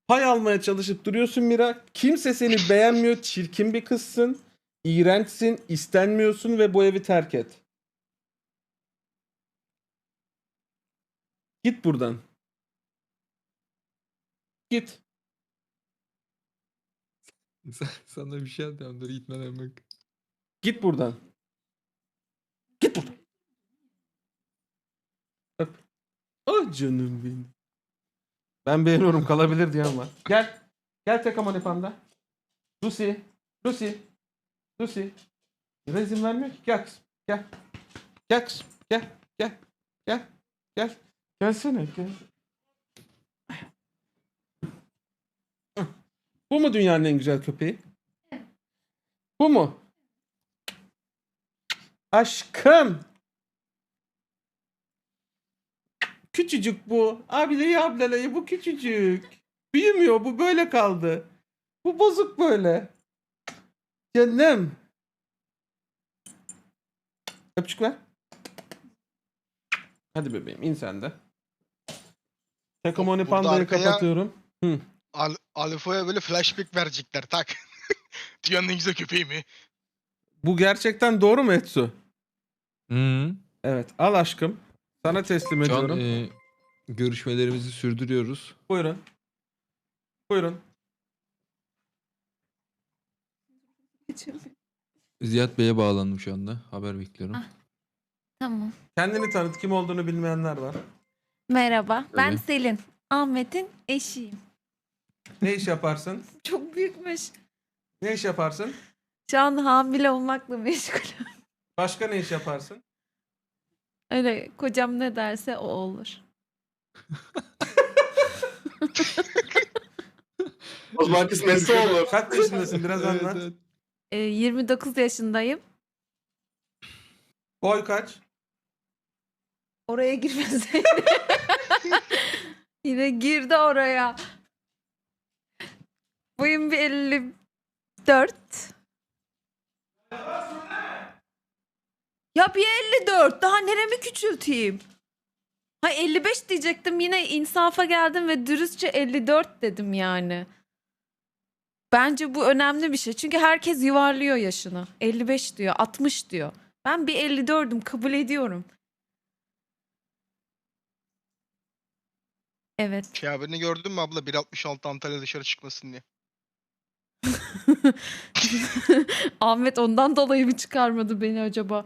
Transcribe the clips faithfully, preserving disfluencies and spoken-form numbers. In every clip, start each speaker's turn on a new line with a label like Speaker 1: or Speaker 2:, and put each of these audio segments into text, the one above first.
Speaker 1: Pay almaya çalışıp duruyorsun Mira. Kimse seni beğenmiyor. Çirkin bir kızsın. İğrençsin. İstenmiyorsun ve bu evi terk et. Git buradan. Git.
Speaker 2: Sana bir şey yapacağım. Dur gitmeden bak.
Speaker 1: Git buradan. Git buradan. Öp. Ah canım benim. Ben beğeniyorum, kalabilir diye ama. Gel. Gel tek aman panda. Lucy. Lucy. Lucy. Mira izin vermiyor ki. Gel kızım. Gel. Gel kızım. Gel. Gel. Gel. Gel. Gelsene. Gel. Bu mu dünyanın en güzel köpeği? Bu mu? Aşkım. Küçücük bu. Abileyi ablalayı bu küçücük. Büyümüyor, bu böyle kaldı. Bu bozuk böyle. Canım. Öpücük ver. Hadi bebeğim in sen de. Takamoni
Speaker 3: Burada
Speaker 1: Panda'yı
Speaker 3: arkaya-
Speaker 1: kapatıyorum. Hı.
Speaker 3: Al Alfa'ya böyle flashback verecekler tak. Dünyanın en güzel köpeği mi?
Speaker 1: Bu gerçekten doğru mu Etsu?
Speaker 2: Hı.
Speaker 1: Evet al aşkım. Sana teslim
Speaker 2: Şu an
Speaker 1: ediyorum.
Speaker 2: e, görüşmelerimizi sürdürüyoruz.
Speaker 1: Buyurun. Buyurun.
Speaker 2: Ziyaet Bey'e bağlandım şu anda. Haber bekliyorum.
Speaker 4: Ah. Tamam.
Speaker 1: Kendini tanıt, kim olduğunu bilmeyenler var.
Speaker 4: Merhaba. Ben
Speaker 2: Tabii.
Speaker 4: Selin. Ahmet'in eşiyim.
Speaker 1: Ne iş yaparsın?
Speaker 4: Çok büyükmüş.
Speaker 1: Ne iş yaparsın?
Speaker 4: Şu an hamile olmakla meşgulüm.
Speaker 1: Başka ne iş yaparsın?
Speaker 4: Öyle kocam ne derse o olur.
Speaker 5: O zaman kısmetse olur.
Speaker 1: Kaç yaşındasın? Biraz
Speaker 2: Evet,
Speaker 1: anlat.
Speaker 2: evet.
Speaker 4: Ee, yirmi dokuz yaşındayım.
Speaker 1: Boy kaç?
Speaker 4: Oraya girmeseydi. Yine girdi oraya. Boyum bir elli dört. Ya bir elli dört. Daha neremi küçülteyim? Ha elli beş diyecektim. Yine insafa geldim ve dürüstçe elli dört dedim yani. Bence bu önemli bir şey. Çünkü herkes yuvarlıyor yaşını. elli beş diyor, altmış diyor. Ben bir elli dördüm, kabul ediyorum. Evet.
Speaker 3: Şey haberini gördün mü abla? bir altmış altı Antalya dışarı çıkmasın diye.
Speaker 4: Ahmet ondan dolayı mı çıkarmadı beni acaba?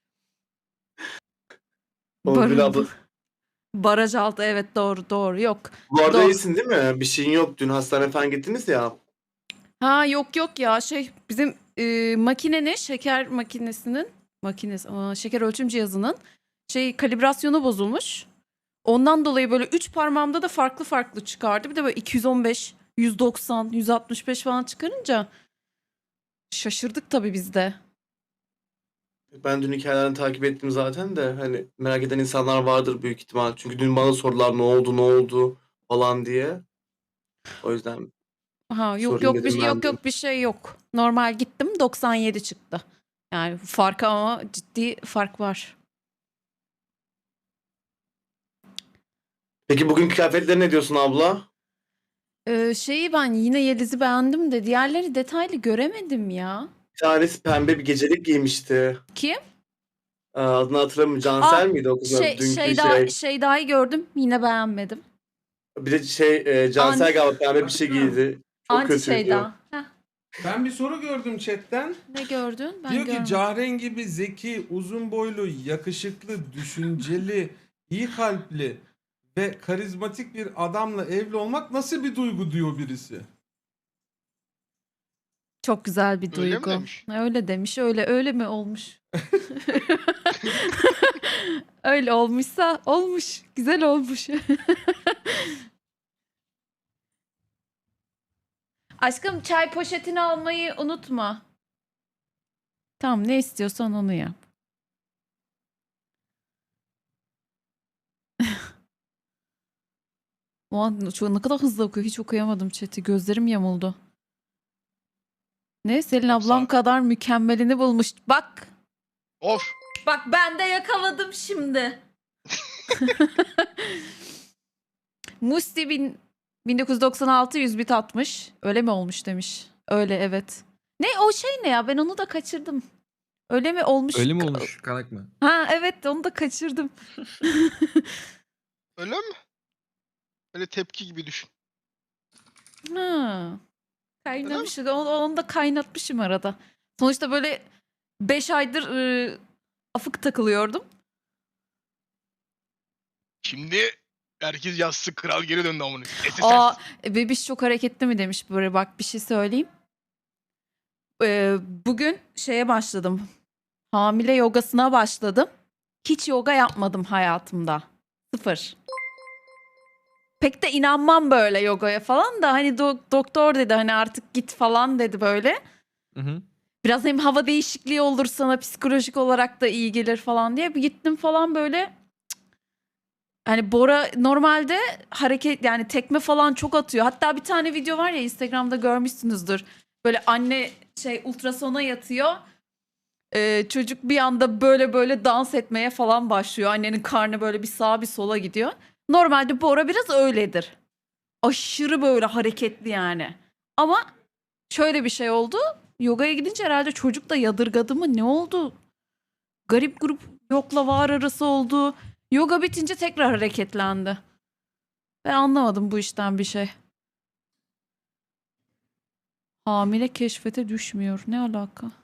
Speaker 5: Onu
Speaker 4: Barın-
Speaker 5: bile abla.
Speaker 4: Baraj altı, evet, doğru doğru, yok.
Speaker 5: Bu arada
Speaker 4: Doğru.
Speaker 5: iyisin değil mi? Bir şeyin yok. Dün hastaneye falan gittiniz ya.
Speaker 4: Ha yok yok ya, şey bizim e, makinenin, şeker makinesinin makinesi aa, şeker ölçüm cihazının şey kalibrasyonu bozulmuş. Ondan dolayı böyle üç parmağımda da farklı farklı çıkardı. Bir de böyle iki yüz on beş, yüz doksan, yüz altmış beş falan çıkarınca şaşırdık tabii biz de.
Speaker 5: Ben dün hikayelerini takip ettim zaten de hani merak eden insanlar vardır büyük ihtimal. Çünkü dün bana sorular ne oldu ne oldu falan diye. O yüzden
Speaker 4: Ha yok
Speaker 5: Sorayım
Speaker 4: yok bir
Speaker 5: dedim
Speaker 4: şey
Speaker 5: ben
Speaker 4: yok
Speaker 5: de.
Speaker 4: yok bir şey yok. Normal gittim, doksan yedi çıktı. Yani fark, ama ciddi fark var.
Speaker 5: Peki bugün kıyafetleri ne diyorsun abla?
Speaker 4: Ee, şeyi ben yine Yeliz'i beğendim de diğerleri detaylı göremedim ya.
Speaker 5: Bir tanesi pembe bir gecelik giymişti.
Speaker 4: Kim?
Speaker 5: Ee, Adını hatırlamıyorum. Cansel
Speaker 4: Aa,
Speaker 5: miydi o kız?
Speaker 4: Şey,
Speaker 5: Dünkü
Speaker 4: şey,
Speaker 5: şey.
Speaker 4: daha, şey daha gördüm, yine beğenmedim.
Speaker 5: Bir de şey e, Cansel
Speaker 4: Anti-
Speaker 5: galiba pembe bir şey giydi. Çok
Speaker 4: Anti
Speaker 5: kötüydü.
Speaker 4: şey daha. Heh,
Speaker 1: Ben bir soru gördüm chatten.
Speaker 4: ne gördün? Ben
Speaker 1: Diyor ki
Speaker 4: görmedim.
Speaker 1: Cahren gibi zeki, uzun boylu, yakışıklı, düşünceli, iyi kalpli ve karizmatik bir adamla evli olmak nasıl bir duygu diyor birisi.
Speaker 4: Çok güzel bir
Speaker 3: Öyle mi
Speaker 4: duygu.
Speaker 3: demiş?
Speaker 4: Öyle demiş. Öyle öyle mi olmuş? Öyle olmuşsa olmuş. Güzel olmuş. Aşkım, çay poşetini almayı unutma. Tamam, ne istiyorsan onu yap. O an şu ne kadar hızlı okuyor. Hiç okuyamadım chat'i. Gözlerim yamuldu. Ne? Selin ablam
Speaker 3: Yoksa-
Speaker 4: kadar mükemmelini bulmuş. Bak.
Speaker 3: Of!
Speaker 4: Bak ben de yakaladım şimdi. Musti bin bin dokuz yüz doksan altı yüz bit atmış. Öyle mi olmuş demiş. Öyle evet. Ne o şey ne ya, ben onu da kaçırdım. Öyle mi olmuş?
Speaker 2: Öyle mi olmuş? Kanak mı?
Speaker 4: Ha evet, onu da kaçırdım.
Speaker 3: Öyle mi? Öyle tepki gibi düşün.
Speaker 4: Ha. Kaynamış. Onu, onu da kaynatmışım arada. Sonuçta böyle beş aydır ıı, afık takılıyordum.
Speaker 3: Şimdi herkes yazsın, kral geri döndü amına. S S S.
Speaker 4: Aa, bebiş çok hareketli mi demiş böyle, bak bir şey söyleyeyim. Ee, bugün şeye başladım. Hamile yogasına başladım. Hiç yoga yapmadım hayatımda. Sıfır. Pek de inanmam böyle yogaya falan da, hani do- doktor dedi hani artık git falan dedi böyle.
Speaker 2: Hı hı.
Speaker 4: Biraz hem hava değişikliği olur sana, psikolojik olarak da iyi gelir falan diye bir gittim falan böyle. Cık. Hani Bora normalde hareket, yani tekme falan çok atıyor. Hatta bir tane video var ya, Instagram'da görmüşsünüzdür. Böyle anne şey ultrasona yatıyor. Ee, çocuk bir anda böyle böyle dans etmeye falan başlıyor. Annenin karnı böyle bir sağa bir sola gidiyor. Normalde Bora biraz öyledir. Aşırı böyle hareketli yani. Ama şöyle bir şey oldu. Yogaya gidince herhalde çocuk da yadırgadı mı ne oldu? Garip grup yokla var arası oldu. Yoga bitince tekrar hareketlendi. Ben anlamadım bu işten bir şey. Hamile keşfete düşmüyor. Ne alaka?